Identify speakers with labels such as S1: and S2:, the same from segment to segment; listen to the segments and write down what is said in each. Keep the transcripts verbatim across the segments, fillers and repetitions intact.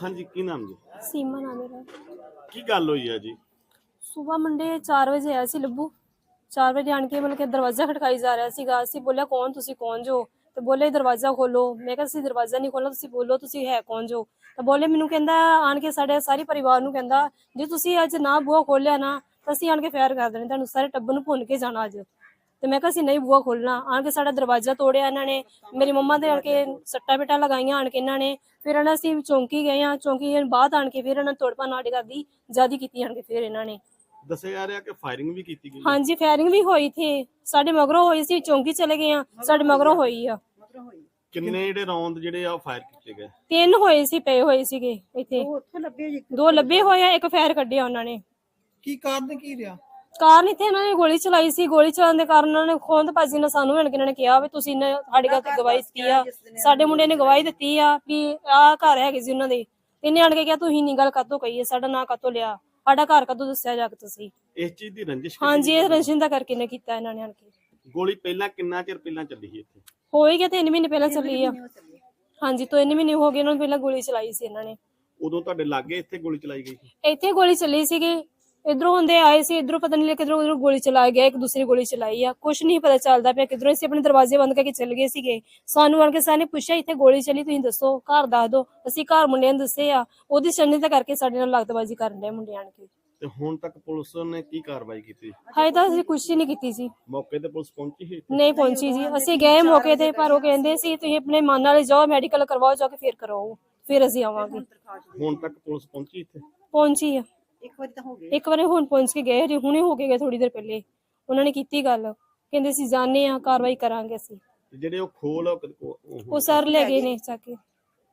S1: हाँ जी, की नाम जी?
S2: ਸੀਮਾ ਨਾਮ ਮੇਰਾ।
S1: की गल हुई है जी?
S2: ਸਵੇਰ ਮੰਡੇ ਚਾਰ ਵਜੇ ਆਇਆ ਸੀ ਲੱਭੂ। ਚਾਰ ਵਜੇ ਆਣ ਕੇ ਮਤਲਬ ਕਿ ਦਰਵਾਜ਼ਾ ਖੜਕਾਈ ਜਾ ਰਿਹਾ ਸੀਗਾ। ਅਸੀਂ ਬੋਲਿਆ ਕੌਣ ਤੁਸੀਂ ਕੌਣ ਜੋ? ਤੇ ਬੋਲੇ ਦਰਵਾਜ਼ਾ ਖੋਲੋ। ਮੈਂ ਕਿਹਾ ਅਸੀਂ ਦਰਵਾਜ਼ਾ ਨਹੀਂ ਖੋਲਣਾ, ਤੁਸੀਂ ਬੋਲੋ ਤੁਸੀਂ ਹੈ ਕੌਣ ਜੋ? ਤਾਂ ਬੋਲੇ ਮੈਨੂੰ ਕਹਿੰਦਾ ਆਣ ਕੇ ਸਾਡੇ ਸਾਰੇ ਪਰਿਵਾਰ ਨੂੰ ਕਹਿੰਦਾ ਜੇ ਤੁਸੀਂ ਅੱਜ ਨਾ ਬੂਹਾ ਖੋਲਿਆ ਨਾ ਤਾਂ ਅਸੀਂ ਆਣ ਕੇ ਫਾਇਰ ਕਰ ਦੇਣੇ, ਤੁਹਾਨੂੰ ਸਾਰੇ ਟੱਬਰ ਨੂੰ ਭੁੰਨ ਕੇ ਜਾਣਾ ਅੱਜ। ਤੇ ਮੈਂ ਕਿਹਾ ਅਸੀਂ ਨਹੀਂ ਬੂਹਾ ਖੋਲਣਾ। ਆਣ ਕੇ ਸਾਡਾ ਦਰਵਾਜ਼ਾ ਤੋੜਿਆ ਇਹਨਾਂ ਨੇ, ਮੇਰੀ ਮੰਮਾ ਦੇ ਆਣ ਕੇ ਸੱਟਾਂ ਪੇਟਾਂ ਲਗਾਈਆਂ ਆਣ ਕੇ ਇਹਨਾਂ ਨੇ। ਫਿਰ ਇਹਨਾਂ ਅਸੀਂ ਚੌਂਕੀ ਗਏ ਆ, ਚੌਂਕੀ ਬਾਅਦ ਆਣ ਕੇ ਫਿਰ ਇਹਨਾਂ ਨੇ ਤੋੜ ਭੰਨ ਸਾਡੇ ਘਰ ਦੀ ਜ਼ਿਆਦਾ ਕੀਤੀ ਆਣ ਕੇ ਫਿਰ ਇਹਨਾਂ ਨੇ।
S1: ਦੱਸਿਆ ਜਾ ਰਿਹਾ ਕਿ ਫਾਇਰਿੰਗ ਵੀ ਕੀਤੀ ਗਈ ਹੈ।
S2: ਹਾਂਜੀ ਫਾਇਰਿੰਗ ਵੀ ਹੋਈ ਥੀ, ਸਾਡੇ ਮਗਰੋਂ ਹੋਈ ਸੀ, ਚੌਂਕੀ ਚਲੇ ਗਏ ਆ, ਸਾਡੇ ਮਗਰੋਂ ਹੋਈ ਆ।
S1: ਕਿੰਨੇ ਜਿਹੜੇ ਰੌਂਦ ਜਿਹੜੇ ਆ ਫਾਇਰ ਕੀਤੇ ਗਏ?
S2: ਤਿੰਨ ਹੋਏ ਸੀ, ਪਏ ਹੋਏ ਸੀਗੇ ਇੱਥੇ, ਦੋ ਲੱਭੇ ਹੋਏ ਆ, ਇੱਕ ਫਾਇਰ ਕੱਢਿਆ ਉਹਨਾਂ ਨੇ।
S3: ਕੀ ਕਾਰਨ ਕੀ ਰਿਹਾ?
S2: ਕਾਰਨ ਇੱਥੇ ਇਹਨਾਂ ਨੇ ਗੋਲੀ ਚਲਾਈ ਸੀ, ਗੋਲੀ ਚਲਾਉਣ ਦੇ ਕਾਰਨ ਉਹਨਾਂ ਨੇ ਖੋਂਦ ਭਾਜੀ ਨੇ ਸਾਨੂੰ ਮਿਲ ਕੇ ਇਹਨਾਂ ਨੇ ਕਿਹਾ ਵੀ ਤੁਸੀਂ ਸਾਡੇ ਘਰ ਤੇ ਗਵਾਹੀ ਦਿੱਤੀ ਆ, ਸਾਡੇ ਮੁੰਡੇ ਨੇ ਗਵਾਹੀ ਦਿੱਤੀ ਆ ਵੀ ਆਹ ਘਰ ਹੈਗੇ ਸੀ ਉਹਨਾਂ ਦੇ। ਇਹਨੇ ਆਣ ਕੇ ਕਿਹਾ ਤੁਸੀਂ ਨੀ ਗੱਲ ਕਾਤੋਂ ਕਹੀ ਹੈ, ਸਾਡਾ ਨਾਂ ਕਾਤੋਂ ਲਿਆ, ਸਾਡਾ ਘਰ ਕਦੋਂ ਦੱਸਿਆ ਜਾ ਕੇ ਤੁਸੀਂ?
S1: ਇਸ ਚੀਜ਼ ਦੀ ਰੰਜਿਸ਼?
S2: ਹਾਂਜੀ ਇਹ ਰੰਜਿਸ਼ ਦਾ ਕਰਕੇ ਨੇ ਕੀਤਾ ਇਹਨਾਂ ਨੇ ਆਣ ਕੇ।
S1: ਗੋਲੀ ਪਹਿਲਾਂ ਕਿੰਨਾ ਚਿਰ ਪਹਿਲਾਂ ਚੱਲੀ ਸੀ ਇੱਥੇ?
S2: ਹੋ ਹੀ ਗਿਆ ਤਿੰਨ ਮਹੀਨੇ ਪਹਿਲਾਂ ਚੱਲੀ ਆ। ਹਾਂਜੀ ਤਿੰਨ ਮਹੀਨੇ ਹੋ ਗਏ ਉਹਨਾਂ ਨੂੰ ਪਹਿਲਾਂ ਗੋਲੀ ਚਲਾਈ ਸੀ ਇਹਨਾਂ ਨੇ।
S1: ਉਦੋਂ ਤੁਹਾਡੇ ਲਾਗੇ ਇੱਥੇ ਗੋਲੀ ਚਲਾਈ ਗਈ ਸੀ?
S2: ਇੱਥੇ ਗੋਲੀ ਚੱਲੀ ਸੀਗੀ, ਇਧਰੋਂ ਹੁੰਦੇ ਆਏ ਸੀ, ਇਧਰੋਂ ਪਤਾ ਨਹੀਂ ਕਿਧਰੋਂ ਉਧਰੋਂ ਗੋਲੀ ਚਲਾ ਗਿਆ, ਇੱਕ ਦੂਸਰੀ ਗੋਲੀ ਚਲਾਈ ਆ, ਕੁਛ ਨਹੀਂ ਪਤਾ ਚੱਲਦਾ ਪਿਆ ਕਿਧਰੋਂ। ਅਸੀਂ ਆਪਣੇ ਦਰਵਾਜ਼ੇ ਬੰਦ ਕਰਕੇ ਚੱਲ ਗਏ ਸੀਗੇ, ਸਾਨੂੰ ਆਣ ਕੇ ਸਾਨੇ ਪੁੱਛਿਆ ਇੱਥੇ ਗੋਲੀ ਚੱਲੀ ਤੁਸੀਂ ਦੱਸੋ, ਘਰ ਦੱਸ ਦੋ। ਅਸੀਂ ਘਰ ਮੁੰਡਿਆਂ ਨੂੰ ਦੱਸੇ ਆ, ਉਹਦੀ ਛੰਨੀ ਤਾਂ ਕਰਕੇ ਸਾਡੇ ਨਾਲ ਲਾਗਤਬਾਜ਼ੀ ਕਰਨ ਦੇ ਮੁੰਡੇ ਆਣ ਕੇ।
S1: ਤੇ ਹੁਣ ਤੱਕ ਪੁਲਿਸ ਨੇ ਕੀ ਕਾਰਵਾਈ ਕੀਤੀ?
S2: ਹਾਏ ਤਾਂ ਅਸੀਂ ਕੁਛ ਨਹੀਂ ਕੀਤੀ ਸੀ।
S1: ਮੌਕੇ ਤੇ ਪੁਲਿਸ ਪਹੁੰਚੀ ਸੀ?
S2: ਨਹੀਂ ਪਹੁੰਚੀ ਜੀ, ਅਸੀਂ ਗਏ ਮੌਕੇ ਤੇ ਪਰ ਉਹ ਕਹਿੰਦੇ ਸੀ ਤੁਸੀਂ ਆਪਣੇ ਮਨ ਨਾਲ ਜਾਓ, ਮੈਡੀਕਲ ਕਰਵਾਓ ਜਾ ਕੇ ਫਿਰ ਕਰਾਓ, ਫਿਰ ਅਸੀਂ ਆਵਾਂਗੇ।
S1: ਹੁਣ ਤੱਕ ਪੁਲਿਸ ਪਹੁੰਚੀ ਇੱਥੇ?
S2: ਪਹੁੰਚੀ ਆ,
S3: ਇੱਕ ਵਾਰੀ ਤਾਂ ਹੋ ਗਿਆ,
S2: ਇੱਕ ਵਾਰੀ ਹੁਣ ਪਹੁੰਚ ਕੇ ਗਏ, ਹੁਣੇ ਹੋ ਕੇ ਗਏ ਥੋੜੀ ਦੇਰ ਪਹਿਲੇ। ਉਹਨਾਂ ਨੇ ਕੀਤੀ ਗੱਲ, ਕਹਿੰਦੇ ਅਸੀਂ ਜਾਣੇ ਆ, ਕਾਰਵਾਈ ਕਰਾਂਗੇ ਅਸੀਂ।
S1: ਜਿਹੜੇ ਉਹ ਖੋਲ
S2: ਉਹ ਸਰ ਲੈ ਗਏ ਨੇ ਚੱਕ ਕੇ।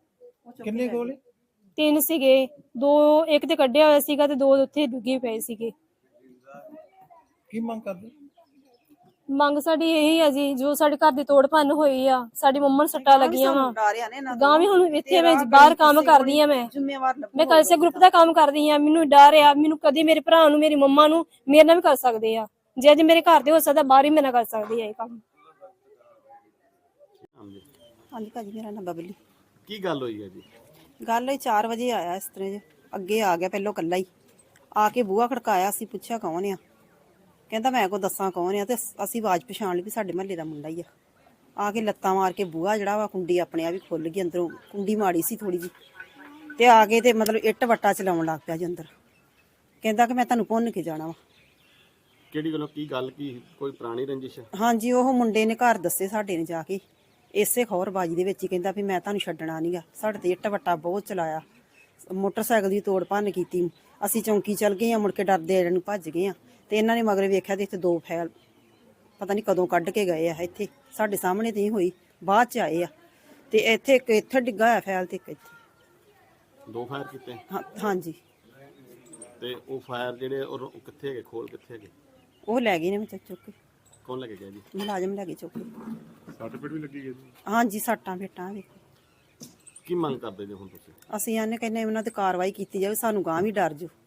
S3: ਕਿੰਨੇ ਗੋਲੇ?
S2: ਤਿੰਨ ਸੀਗੇ, ਦੋ ਇੱਕ ਤੇ ਕੱਢਿਆ ਹੋਇਆ ਸੀਗਾ ਤੇ ਦੋ ਉੱਥੇ ਡੁੱਗੇ ਪਏ ਸੀਗੇ।
S3: ਕੀ ਮੰਗ ਕਰਦੇ?
S2: ਮੰਗ ਸਾਡੀ ਇਹੀ ਆ ਜੀ, ਜੋ ਸਾਡੇ ਘਰ ਦੀ ਤੋੜ ਭੰਨ ਹੋਈ ਆ, ਸਾਡੀ ਮੰਮਾ ਨੂੰ ਸੱਟਾਂ ਲੱਗੀਆਂ ਵਾ। ਗਾਂ ਵੀ ਹੁਣ ਇੱਥੇ ਮੈਂ ਬਾਹਰ ਕੰਮ ਕਰਦੀ ਆ, ਮੈਂ ਮੈਂ ਕਲਸੇ ਗਰੁੱਪ ਦਾ ਕੰਮ ਕਰਦੀ ਆ, ਮੈਨੂੰ ਡਰ ਆ, ਮੈਨੂੰ ਕਦੇ ਮੇਰੇ ਭਰਾ ਨੂੰ ਮੇਰੀ ਮੰਮਾ ਨੂੰ ਮੇਰੇ ਨਾਲ ਵੀ ਕਰ ਸਕਦੇ ਆ, ਜੇ ਅੱਜ ਮੇਰੇ ਘਰ ਦੇ ਹੋ ਸਕਦਾ ਬਾਹਰ ਹੀ ਮੇਰੇ ਨਾਲ ਕਰ ਸਕਦੀ ਆ ਇਹ ਕੰਮ।
S4: ਹਾਂਜੀ ਭਾਜੀ ਮੇਰਾ ਨਾਮ ਬਬਲੀ।
S1: ਕੀ ਗੱਲ ਹੋਈ ਹੈ ਜੀ?
S4: ਗੱਲ ਇਹ ਚਾਰ ਵਜੇ ਆਇਆ ਇਸ ਤਰ੍ਹਾਂ ਜੇ, ਅੱਗੇ ਆ ਗਿਆ ਪਹਿਲੋਂ ਕੱਲਾ ਹੀ ਆ ਕੇ ਬੂਹਾ ਖੜਕਾਇਆ। ਅਸੀਂ ਪੁੱਛਿਆ ਕੌਣ ਆ, ਕਹਿੰਦਾ ਮੈਂ ਕੋ ਦੱਸਾਂ ਕੌਣ ਆ, ਤੇ ਅਸੀਂ ਆਵਾਜ਼ ਪਛਾਣ ਲਈ ਵੀ ਸਾਡੇ ਮਹੱਲੇ ਦਾ ਮੁੰਡਾ ਹੀ ਆ। ਆ ਕੇ ਲੱਤਾਂ ਮਾਰ ਕੇ ਬੂਹਾ ਜਿਹੜਾ ਵਾ ਕੁੰਡੀ ਆਪਣੇ ਆਪ ਹੀ ਖੁੱਲ ਗਈ, ਅੰਦਰੋਂ ਕੁੰਡੀ ਮਾੜੀ ਸੀ ਥੋੜੀ ਜੀ, ਤੇ ਆ ਕੇ ਤੇ ਮਤਲਬ ਇੱਟ ਵੱਟਾ ਚਲਾਉਣ ਲੱਗ ਪਿਆ ਜੀ ਅੰਦਰ। ਕਹਿੰਦਾ ਕਿ ਮੈਂ ਤੁਹਾਨੂੰ ਭੁੰਨ ਕੇ ਜਾਣਾ ਵਾ।
S1: ਕਿਹੜੀ ਗੱਲੋਂ? ਕੀ ਗੱਲ ਕੀ ਕੋਈ ਪੁਰਾਣੀ ਰੰਜਿਸ਼?
S4: ਹਾਂਜੀ ਉਹ ਮੁੰਡੇ ਨੇ ਘਰ ਦੱਸੇ ਸਾਡੇ ਨੇ ਜਾ ਕੇ, ਇਸੇ ਖੌਰਬਾਜੀ ਦੇ ਵਿੱਚ ਹੀ ਕਹਿੰਦਾ ਵੀ ਮੈਂ ਤੁਹਾਨੂੰ ਛੱਡਣਾ ਨਹੀਂਗਾ। ਸਾਡੇ ਤੇ ਇੱਟ ਵੱਟਾ ਬਹੁਤ ਚਲਾਇਆ, ਮੋਟਰਸਾਈਕਲ ਦੀ ਤੋੜ ਭੰਨ ਕੀਤੀ। ਅਸੀਂ ਚੌਂਕੀ ਚੱਲ ਗਏ ਆ, ਮੁੜ ਕੇ ਡਰਦੇ ਇਹਨਾਂ ਨੂੰ ਭੱਜ ਗਏ ਆ, ਤੇ ਇਹਨਾਂ ਨੇ ਮਗਰ ਵੇਖਿਆ ਤੇ ਇੱਥੇ ਦੋ ਫੈਲ ਪਤਾ ਨਹੀਂ ਕਦੋਂ ਕੱਢ ਕੇ ਗਏ ਆ। ਇੱਥੇ ਸਾਡੇ ਸਾਹਮਣੇ ਤੇ ਹੀ ਹੋਈ, ਬਾਅਦ ਚ ਆਏ ਆ, ਤੇ ਇੱਥੇ ਇੱਕ ਇੱਥੇ ਡਿੱਗਾ ਹੋਇਆ ਫੈਲ ਤੇ ਇੱਕ ਇੱਥੇ।
S1: ਦੋ ਫਾਇਰ ਕੀਤੇ?
S4: ਹਾਂ ਹਾਂਜੀ।
S1: ਤੇ ਉਹ ਫਾਇਰ ਜਿਹੜੇ ਉਹ ਕਿੱਥੇ ਹੈਗੇ, ਖੋਲ ਕਿੱਥੇ ਹੈਗੇ?
S4: ਉਹ ਲੈ ਗਏ ਨੇ ਵਿੱਚ ਚੁੱਕ ਕੇ।
S1: ਕੌਣ ਲੈ ਕੇ ਗਿਆ ਜੀ?
S4: ਮੁਲਾਜ਼ਮ ਲੈ ਕੇ ਚੁੱਕ ਕੇ।
S1: ਸੱਟ ਪੇਟ ਵੀ ਲੱਗੀ ਗਈ ਜੀ? ਹਾਂਜੀ
S4: ਸੱਟਾਂ ਫੇਟਾਂ ਵੇਖੋ।
S1: ਕੀ ਮੰਗ ਕਰਦੇ ਜੀ ਹੁਣ ਤੁਸੀਂ?
S4: ਅਸੀਂ ਆਨੇ ਕਹਿੰਦੇ ਉਹਨਾਂ ਤੇ ਕਾਰਵਾਈ ਕੀਤੀ ਜਾਵੇ, ਸਾਨੂੰ ਗਾਂ ਵੀ ਡਰ ਜੋ।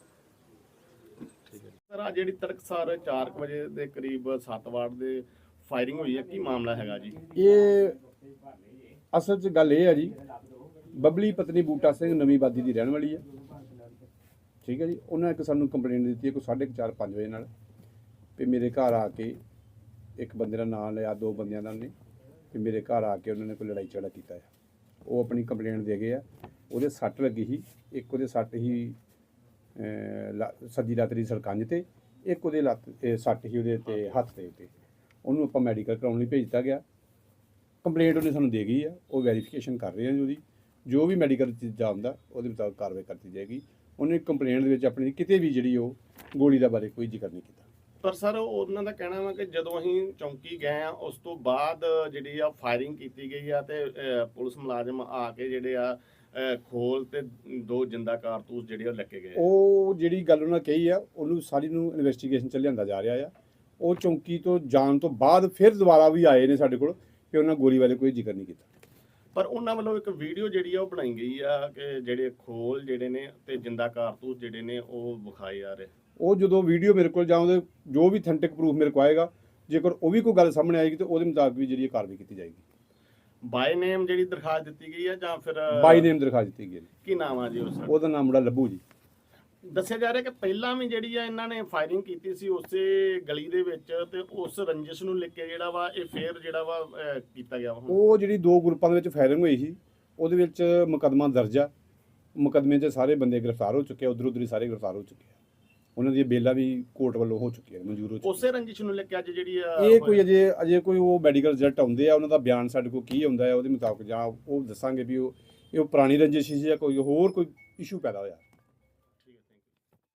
S1: ਸਰ ਆ ਜਿਹੜੀ ਤੜਕਸਾਰ ਚਾਰ ਵਜੇ ਦੇ ਕਰੀਬ ਸੱਤ ਵਾਰ ਦੇ ਫਾਇਰਿੰਗ ਹੋਈ ਹੈ, ਕੀ ਮਾਮਲਾ ਹੈਗਾ ਜੀ?
S5: ਇਹ ਅਸਲ 'ਚ ਗੱਲ ਇਹ ਹੈ ਜੀ, ਬਬਲੀ ਪਤਨੀ ਬੂਟਾ ਸਿੰਘ ਨਵੀਂ ਆਬਾਦੀ ਦੀ ਰਹਿਣ ਵਾਲੀ ਹੈ, ਠੀਕ ਹੈ ਜੀ। ਉਹਨਾਂ ਇੱਕ ਸਾਨੂੰ ਕੰਪਲੇਂਟ ਦਿੱਤੀ ਹੈ ਕੋਈ ਸਾਢੇ ਕੁ ਚਾਰ ਪੰਜ ਵਜੇ ਨਾਲ, ਵੀ ਮੇਰੇ ਘਰ ਆ ਕੇ ਇੱਕ ਬੰਦੇ ਦਾ ਨਾਂ ਲਿਆ, ਦੋ ਬੰਦਿਆਂ ਦਾ ਨੇ, ਵੀ ਮੇਰੇ ਘਰ ਆ ਕੇ ਉਹਨਾਂ ਨੇ ਕੋਈ ਲੜਾਈ ਝਗੜਾ ਕੀਤਾ ਹੈ। ਉਹ ਆਪਣੀ ਕੰਪਲੇਂਟ ਦੇ ਗਏ ਆ। ਉਹਦੇ ਸੱਟ ਲੱਗੀ ਸੀ, ਇੱਕ ਉਹਦੇ ਸੱਟ ਹੀ ਸੱਜੀ ਲੱਤ ਦੀ ਸਰਕੰਜ ਤੇ, ਇੱਕ ਉਹਦੇ ਲੱਤ ਸੱਟ ਹੀ ਉਹਦੇ ਤੇ ਹੱਥ ਦੇ ਉੱਤੇ। ਉਹਨੂੰ ਆਪਾਂ ਮੈਡੀਕਲ ਕਰਾਉਣ ਲਈ ਭੇਜ ਦਿੱਤਾ ਗਿਆ। ਕੰਪਲੇਂਟ ਉਹਨੇ ਸਾਨੂੰ ਦੇ ਗਈ ਆ, ਉਹ ਵੈਰੀਫਿਕੇਸ਼ਨ ਕਰ ਰਹੇ ਆ ਜੀ। ਉਹਦੀ ਜੋ ਵੀ ਮੈਡੀਕਲ ਚੀਜ਼ਾਂ ਆਉਂਦਾ ਉਹਦੇ ਮੁਤਾਬਕ ਕਾਰਵਾਈ ਕਰਤੀ ਜਾਏਗੀ। ਉਹਨੇ ਕੰਪਲੇਂਟ ਦੇ ਵਿੱਚ ਆਪਣੀ ਕਿਤੇ ਵੀ ਜਿਹੜੀ ਉਹ ਗੋਲੀ ਦਾ ਬਾਰੇ ਕੋਈ ਜ਼ਿਕਰ ਨਹੀਂ ਕੀਤਾ।
S1: ਪਰ ਸਰ ਉਹਨਾਂ ਦਾ ਕਹਿਣਾ ਵਾ ਕਿ ਜਦੋਂ ਅਸੀਂ ਚੌਂਕੀ ਗਏ ਆ ਉਸ ਤੋਂ ਬਾਅਦ ਜਿਹੜੀ ਆ ਫਾਇਰਿੰਗ ਕੀਤੀ ਗਈ ਆ, ਤੇ ਪੁਲਿਸ ਮੁਲਾਜ਼ਮ ਆ ਕੇ ਜਿਹੜੇ ਆ ਖੋਲ ਤੇ ਦੋ ਜਿੰਦਾ ਕਾਰਤੂਸ ਜਿਹੜੇ ਉਹ ਲੱਗੇ ਗਏ।
S5: ਉਹ ਜਿਹੜੀ ਗੱਲ ਉਹਨਾਂ ਕਹੀ ਆ ਉਹਨੂੰ ਸਾਰੀ ਨੂੰ ਇਨਵੈਸਟੀਗੇਸ਼ਨ ਚ ਲਿਆਂਦਾ ਜਾ ਰਿਹਾ ਆ। ਉਹ ਚੌਂਕੀ ਤੋਂ ਜਾਣ ਤੋਂ ਬਾਅਦ ਫਿਰ ਦੁਬਾਰਾ ਵੀ ਆਏ ਨੇ ਸਾਡੇ ਕੋਲ, ਕਿ ਉਹਨਾਂ ਗੋਲੀ ਬਾਰੇ ਕੋਈ ਜ਼ਿਕਰ ਨਹੀਂ ਕੀਤਾ।
S1: ਪਰ ਉਹਨਾਂ ਵੱਲੋਂ ਇੱਕ ਵੀਡੀਓ ਜਿਹੜੀ ਆ ਉਹ ਬਣਾਈ ਗਈ ਆ ਕਿ ਜਿਹੜੇ ਖੋਲ ਜਿਹੜੇ ਨੇ ਤੇ ਜਿੰਦਾ ਕਾਰਤੂਸ ਜਿਹੜੇ ਨੇ ਉਹ ਵਿਖਾਏ ਜਾ ਰਹੇ।
S5: ਉਹ ਜਦੋਂ ਵੀਡੀਓ ਮੇਰੇ ਕੋਲ ਜਾਉਂਦੇ ਜੋ ਵੀ ਅਥੈਂਟਿਕ ਪ੍ਰੂਫ ਮੇਰੇ ਕੋਲ ਆਏਗਾ, ਜੇਕਰ ਉਹ ਵੀ ਕੋਈ ਗੱਲ ਸਾਹਮਣੇ ਆਏਗੀ ਤਾਂ ਉਹਦੇ ਮੁਤਾਬਕ ਵੀ ਜਿਹੜੀ ਕਾਰਵਾਈ ਕੀਤੀ ਜਾਏਗੀ।
S1: ਬਾਈ ਨੇਮ ਜਿਹੜੀ ਦਰਖਾਸਤ ਦਿੱਤੀ ਗਈ ਹੈ ਜਾਂ ਫਿਰ
S5: ਬਾਈ ਨੇਮ ਦਰਖਾਸਤ ਦਿੱਤੀ ਗਈ ਹੈ।
S1: ਕੀ ਨਾਮ ਆ ਜੀ ਉਸ ਦਾ?
S5: ਉਹਦਾ ਨਾਮ ਮੁੰਡਾ ਲੱਭੂ ਜੀ।
S1: ਦੱਸਿਆ ਜਾ ਰਿਹਾ ਕਿ ਪਹਿਲਾਂ ਵੀ ਜਿਹੜੀ ਆ ਇਹਨਾਂ ਨੇ ਫਾਇਰਿੰਗ ਕੀਤੀ ਸੀ ਉਸੇ ਗਲੀ ਦੇ ਵਿੱਚ, ਤੇ ਉਸ ਰੰਜਿਸ਼ ਨੂੰ ਲੈ ਕੇ ਜਿਹੜਾ ਵਾ ਇਹ ਫੇਰ ਜਿਹੜਾ ਵਾ ਅਹ, ਕੀਤਾ ਗਿਆ ਵਾ ਹੁਣ।
S5: ਉਹ ਜਿਹੜੀ ਦੋ ਗਰੁੱਪਾਂ ਦੇ ਵਿੱਚ ਫਾਇਰਿੰਗ ਹੋਈ ਸੀ ਉਹਦੇ ਵਿੱਚ ਮੁਕੱਦਮਾ ਦਰਜ ਆ। ਮੁਕੱਦਮੇ 'ਚ ਸਾਰੇ ਬੰਦੇ ਗ੍ਰਿਫਤਾਰ ਹੋ ਚੁੱਕੇ ਆ, ਉਧਰ ਉਧਰ ਹੀ ਸਾਰੇ ਗ੍ਰਿਫਤਾਰ ਹੋ ਚੁੱਕੇ ਆ। ਉਹਨਾਂ ਦੀਆਂ ਬੇਲਾਂ ਵੀ ਕੋਰਟ ਵੱਲੋਂ ਹੋ ਚੁੱਕੀਆਂ, ਮਨਜ਼ੂਰ ਹੋ ਚੁੱਕੀਆਂ।
S1: ਉਸੇ ਰੰਜਿਸ਼ ਨੂੰ ਲੈ ਕੇ ਅੱਜ ਜਿਹੜੀ ਆ
S5: ਇਹ ਕੋਈ ਅਜੇ ਅਜੇ ਕੋਈ ਉਹ ਮੈਡੀਕਲ ਰਿਜ਼ਲਟ ਆਉਂਦੇ ਆ, ਉਹਨਾਂ ਦਾ ਬਿਆਨ ਸਾਡੇ ਕੋਲ ਕੀ ਆਉਂਦਾ ਹੈ ਉਹਦੇ ਮੁਤਾਬਕ ਜਾਂ ਉਹ ਦੱਸਾਂਗੇ ਵੀ ਉਹ ਇਹ ਪੁਰਾਣੀ ਰੰਜਿਸ਼ ਸੀ ਜਾਂ ਕੋਈ ਹੋਰ ਕੋਈ ਇਸ਼ੂ ਪੈਦਾ ਹੋਇਆ।